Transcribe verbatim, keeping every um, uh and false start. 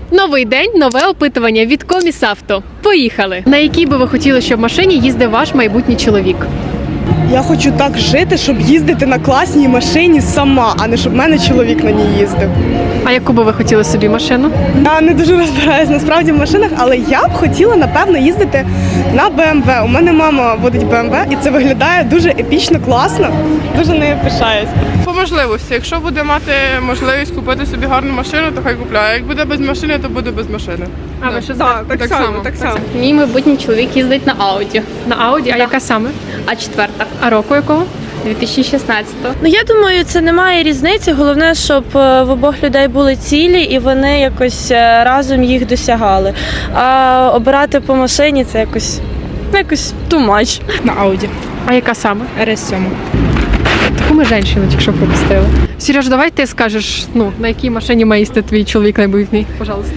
Новий день, нове опитування від Комісавто. Поїхали! На якій би ви хотіли, щоб машині їздив ваш майбутній чоловік? Я хочу так жити, щоб їздити на класній машині сама, а не щоб в мене чоловік на ній їздив. А яку би ви хотіли собі машину? Я не дуже розбираюсь насправді в машинах, але я б хотіла, напевно, їздити на Б М В. У мене мама водить Б М В, і це виглядає дуже епічно, класно. Дуже нею пишаюсь. По можливості. Якщо буде мати можливість купити собі гарну машину, то хай купляє. Як буде без машини, то буде без машини. А ви що Так, так, так само, само, так так само. Мій майбутній чоловік їздить на Ауді. На Ауді? А яка саме? А четверта. А року якого? дві тисячі шістнадцятого. Ну я думаю, це немає різниці. Головне, щоб е, в обох людей були цілі і вони якось е, разом їх досягали. А обирати по машині це якось ну, якось too much. На Ауді. А яка саме? Р С сім. Таку ми женщину тільки що пропустили. Сереж, давай ти скажеш, ну, на якій машині має їздити твій чоловік майбутній, пожалуйста.